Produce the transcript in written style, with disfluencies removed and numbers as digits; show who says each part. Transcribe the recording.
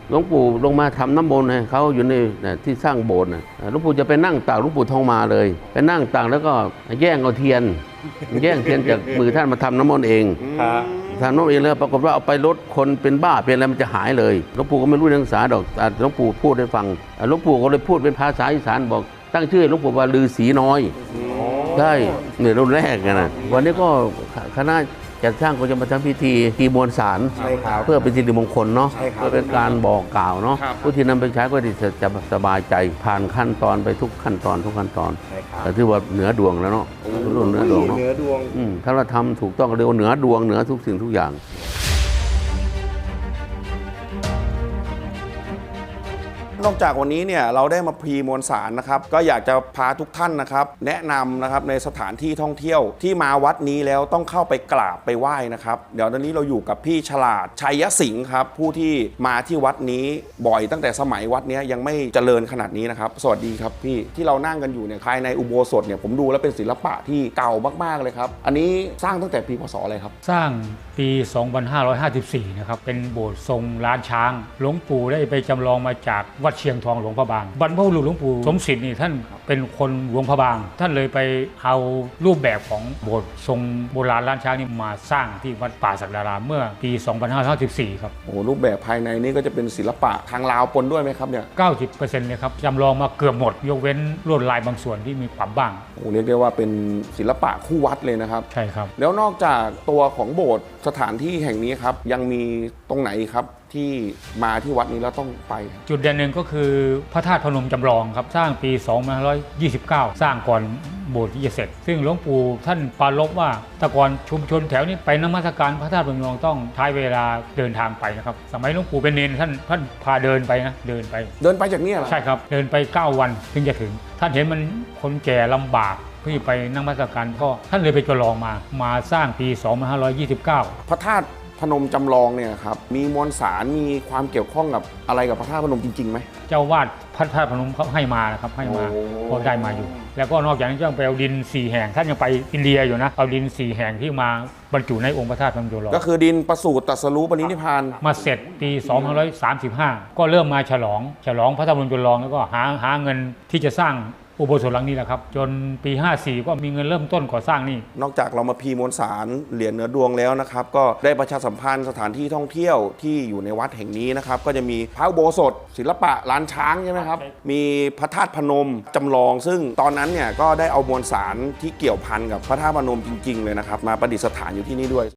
Speaker 1: หลวงปู่ลงมาทำน้ำมนต์ให้เขาอยู่ในที่สร้างโบสถ์หลวงปู่จะไปนั่งตากหลวงปู่ทองมาเลยไปนั่งตากแล้วก็แย่งเอาเทียนจากมือท่านมาทำน้ำมนต์เองทำน้ำมนต์เองแล้วปรากฏว่าเอาไปลดคนเป็นบ้าเป็นอะไรมันจะหายเลยหลวงปู่ก็ไม่รู้เรื่องภาษาดอกหลวงปู่พูดให้ฟังหลวงปู่ก็เลยพูดเป็นภาษาอีสานบอกตั้งชื่อหลวงปู่ว่าฤาษีน้อยใช่เนี่ยรุ่นแรกนะวันนี้ก็คณะจัดสร้างก็จะมาทำพิธีมวลสารเพื่อเป็นสิริมงคลเนาะเพื่อเป็นการบอกกล่าวเนาะผู้ที่นำไปใช้ก็จะสบายใจผ่านขั้นตอนไปทุกขั้นตอนแต่ที่ว่าเหนือดวงแล้วเนาะเหนือดวงเนาะถ้าเราทำถูกต้องเรียกว่าเหนือดวงเหนือทุกสิ่งทุกอย่าง
Speaker 2: นอกจากวันนี้เนี่ยเราได้มาพรีมวลสารนะครับก็อยากจะพาทุกท่านนะครับแนะนำนะครับในสถานที่ท่องเที่ยวที่มาวัดนี้แล้วต้องเข้าไปกราบไปไหว้นะครับเดี๋ยวตอนนี้เราอยู่กับพี่ฉลาดชัยสิงห์ครับผู้ที่มาที่วัดนี้บ่อยตั้งแต่สมัยวัดนี้ยังไม่เจริญขนาดนี้นะครับสวัสดีครับพี่ที่เรานั่งกันอยู่เนี่ยภายในอุโบสถเนี่ยผมดูแล้วเป็นศิลปะที่เก่ามากๆเลยครับอันนี้สร้างตั้งแต่ปีพ.ศ. อะไรครับ
Speaker 3: สร้างปี 2554 นะครับเป็นโบสถ์ทรงล้านช้างหลวงปู่ได้ไปจำลองมาจากวัดเชียงทองหลวงพระบางบรรพบุรุษหลวงปู่สมศิษย์นี่ท่านเป็นคนหลวงพระบางท่านเลยไปเอารูปแบบของโบสถ์ทรงโบราณล้านช้างนี่มาสร้างที่วัดป่าศักดารามเมื่อปี 2554 ครับ
Speaker 2: โอ้รูปแบบภายในนี่ก็จะเป็นศิลปะทางลาวปนด้วยไหมครับเนี่ย
Speaker 3: 90% เลยครับจำลองมาเกือบหมดยกเว้นลวดลายบางส่วนที่มีความบ้าง
Speaker 2: โอ้เรียกได้ว่าเป็นศิลปะคู่วัดเลยนะครับ
Speaker 3: ใช่ครับ
Speaker 2: แล้วนอกจากตัวของโบสถ์สถานที่แห่งนี้ครับยังมีตรงไหนครับที่มาที่วัดนี้แล้วต้องไป
Speaker 3: จุดเด่นหนึ่งก็คือพระธาตุพนมจำลองครับสร้างปี 2529 สร้างก่อนโบสถ์ที่จะเสร็จซึ่งหลวงปู่ท่านปรารภว่าแต่ก่อนชุมชนแถวนี้ไปนมัสการพระธาตุพนมต้องใช้เวลาเดินทางไปนะครับสมัยหลวงปู่เป็นเนรท่านพาเดินไปนะเดินไป
Speaker 2: จากนี้เหรอ
Speaker 3: ใช่ครับเดินไป9 วันถึงจะถึงท่านเห็นมันคนแก่ลำบากที่ไปนั่งนมัสการก็ท่านเลยไปจำลองมาสร้างปี 2529
Speaker 2: พระธาตุพนมจำลองเนี่ยครับมีมวลสารมีความเกี่ยวข้องกับอะไรกับพระธาตุพนมจริงๆไหม
Speaker 3: เจ้าวาดพระธาตุพนมเขาให้มานะครับให้มาก็ได้มาอยู่แล้วก็นอกจากนั้นยังไปเอาดิน4 แห่งท่านยังไปอินเดียอยู่นะเอาดิน4 แห่งที่มาบรรจุในองค์พระธาตุพนมจำลอง
Speaker 2: ก็คือดินประสูติตรัสรู้ปรินิพพาน
Speaker 3: มาเสร็จปี 2535 ก็เริ่มมาฉลองพระธาตุพนมจำลองแล้วก็หาเงินที่จะสร้างอุโบสถหลังนี้แหละครับจนปี 54 ก็มีเงินเริ่มต้นก่อสร้างนี่
Speaker 2: นอกจากเรามาพีมวลสารเหรียญเหนือดวงแล้วนะครับก็ได้ประชาสัมพันธ์สถานที่ท่องเที่ยวที่อยู่ในวัดแห่งนี้นะครับก็จะมีพระอุโบสถศิลปะล้านช้างใช่ไหมครับมีพระธาตุพนมจำลองซึ่งตอนนั้นเนี่ยก็ได้เอามวลสารที่เกี่ยวพันกับพระธาตุพนมจริงๆเลยนะครับมาประดิษฐานอยู่ที่นี่ด้วย